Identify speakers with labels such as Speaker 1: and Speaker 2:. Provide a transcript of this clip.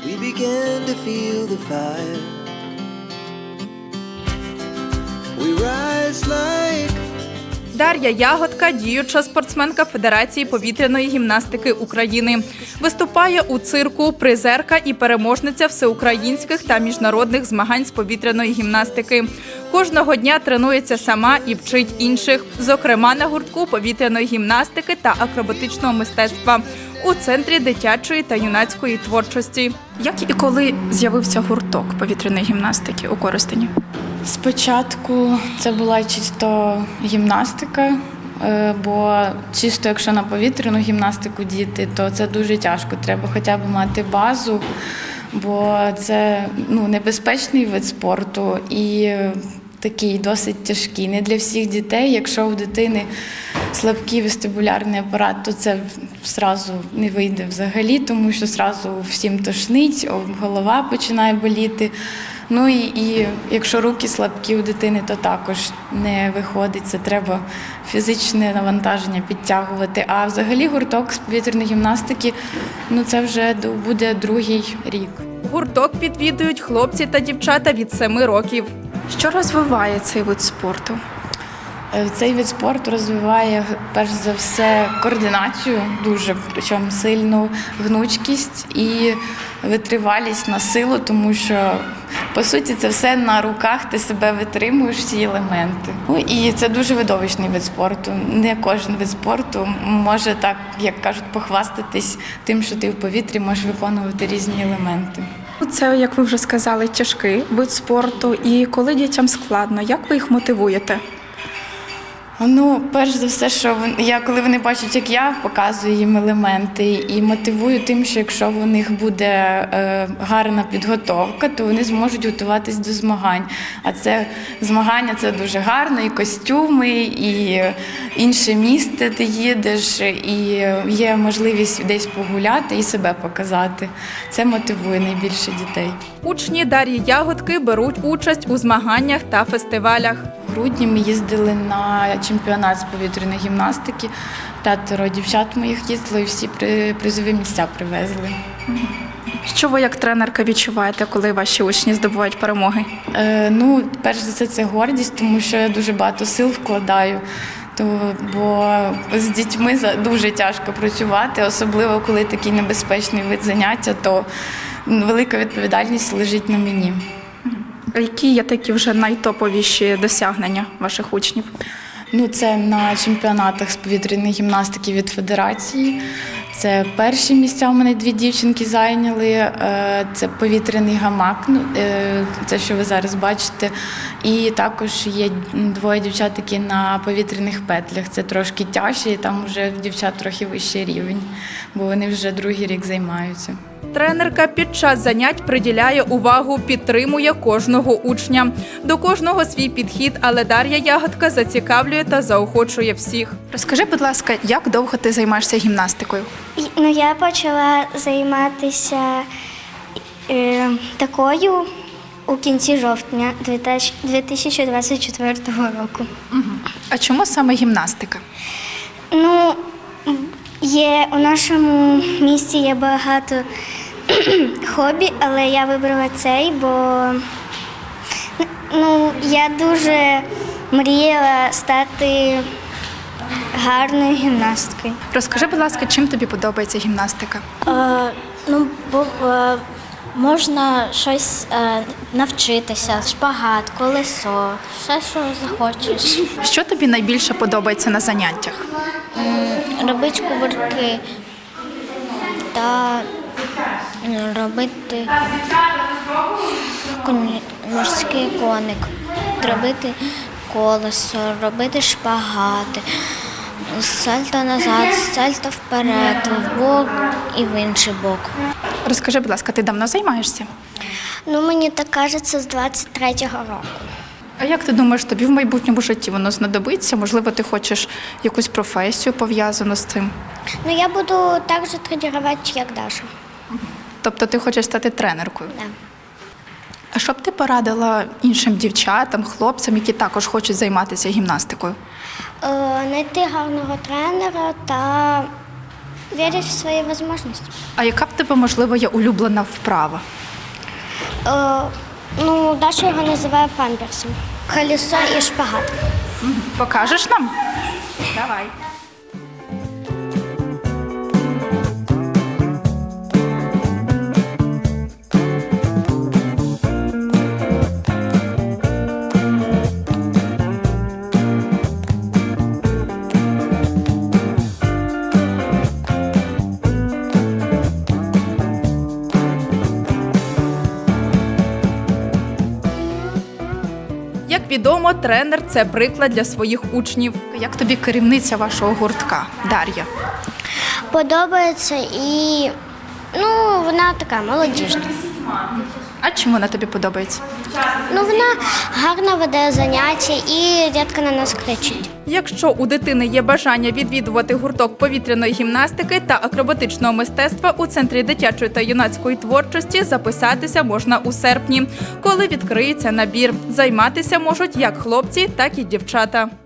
Speaker 1: we began to feel the fire. We rise like
Speaker 2: Дар'я Ягодка – діюча спортсменка Федерації повітряної гімнастики України. Виступає у цирку, призерка і переможниця всеукраїнських та міжнародних змагань з повітряної гімнастики. Кожного дня тренується сама і вчить інших, зокрема на гуртку повітряної гімнастики та акробатичного мистецтва у Центрі дитячої та юнацької творчості.
Speaker 3: Як і коли з'явився гурток повітряної гімнастики у Коростені?
Speaker 4: Спочатку це була чисто гімнастика, бо чисто якщо на повітряну гімнастику діти, то це дуже тяжко. Треба хоча б мати базу, бо це небезпечний вид спорту і такий досить тяжкий. Не для всіх дітей. Якщо у дитини слабкий вестибулярний апарат, то це одразу не вийде взагалі, тому що одразу всім тошнить, голова починає боліти. Ну і якщо руки слабкі у дитини, то також не виходить. Це треба фізичне навантаження підтягувати. А взагалі гурток з повітряної гімнастики, це вже буде другий рік.
Speaker 2: Гурток відвідують хлопці та дівчата від 7 років.
Speaker 3: Що розвиває цей вид спорту?
Speaker 4: Цей вид спорту розвиває, перш за все, координацію, дуже, причому сильну гнучкість і витривалість на силу, тому що, по суті, це все на руках, ти себе витримуєш, всі елементи. І це дуже видовищний вид спорту. Не кожен вид спорту може так, як кажуть, похвастатись тим, що ти в повітрі можеш виконувати різні елементи.
Speaker 3: Це, як ви вже сказали, тяжкий вид спорту. І коли дітям складно, як ви їх мотивуєте?
Speaker 4: Перш за все, що коли вони бачать, як я показую їм елементи і мотивую тим, що якщо у них буде гарна підготовка, то вони зможуть готуватись до змагань. А це змагання – це дуже гарно, і костюми, і інше місце ти їдеш, і є можливість десь погуляти і себе показати. Це мотивує найбільше дітей.
Speaker 2: Учні Дар'ї Ягодки беруть участь у змаганнях та фестивалях.
Speaker 4: В грудні ми їздили на чемпіонат з повітряної гімнастики. 5 дівчат моїх їздило і всі призові місця привезли.
Speaker 3: Що ви як тренерка відчуваєте, коли ваші учні здобувають перемоги?
Speaker 4: Перш за все, це гордість, тому що я дуже багато сил вкладаю. Бо з дітьми дуже тяжко працювати, особливо коли такий небезпечний вид заняття, то велика відповідальність лежить на мені.
Speaker 3: Які є такі вже найтоповіші досягнення ваших учнів?
Speaker 4: Це на чемпіонатах з повітряної гімнастики від Федерації. Це перші місця у мене 2 дівчинки зайняли. Це повітряний гамак, це, що ви зараз бачите. І також є 2 дівчат, які на повітряних петлях. Це трошки тяжче, і там вже в дівчат трохи вищий рівень, бо вони вже другий рік займаються.
Speaker 2: Тренерка під час занять приділяє увагу, підтримує кожного учня. До кожного свій підхід, але Дар'я Ягодка зацікавлює та заохочує всіх.
Speaker 3: Розкажи, будь ласка, як довго ти займаєшся гімнастикою?
Speaker 5: Я почала займатися такою у кінці жовтня 2024 року.
Speaker 3: А чому саме гімнастика?
Speaker 5: У нашому місті є багато хобі, але я вибрала цей, бо я дуже мріяла стати гарною гімнасткою.
Speaker 3: Розкажи, будь ласка, чим тобі подобається гімнастика?
Speaker 6: Можна щось навчитися, шпагат, колесо, все, що захочеш.
Speaker 3: Що тобі найбільше подобається на заняттях?
Speaker 6: Робити кувырки та робити морський коник, робити колесо, робити шпагати, сальто назад, сальто вперед, вбок і в інший бок.
Speaker 3: Розкажи, будь ласка, ти давно займаєшся?
Speaker 5: Мені так кажеться, з 23-го року.
Speaker 3: А як ти думаєш, тобі в майбутньому житті воно знадобиться? Можливо, ти хочеш якусь професію пов'язану з цим?
Speaker 5: Я буду так же тренувати, як Даша.
Speaker 3: Тобто ти хочеш стати тренеркою?
Speaker 5: Так.
Speaker 3: А що б ти порадила іншим дівчатам, хлопцям, які також хочуть займатися гімнастикою?
Speaker 5: Знайти гарного тренера та вірять в свої можливості.
Speaker 3: А яка в тебе, можливо, є улюблена вправа?
Speaker 5: Даша його називає памперсом. Колесо і шпагат.
Speaker 3: Покажеш нам? Давай.
Speaker 2: Як відомо, тренер – це приклад для своїх учнів.
Speaker 3: Як тобі керівниця вашого гуртка, Дар'я?
Speaker 5: Подобається і вона така молодіжна.
Speaker 3: А чим вона тобі подобається?
Speaker 5: Вона гарно веде заняття і рідко на нас кричить.
Speaker 2: Якщо у дитини є бажання відвідувати гурток повітряної гімнастики та акробатичного мистецтва у Центрі дитячої та юнацької творчості, записатися можна у серпні, коли відкриється набір. Займатися можуть як хлопці, так і дівчата.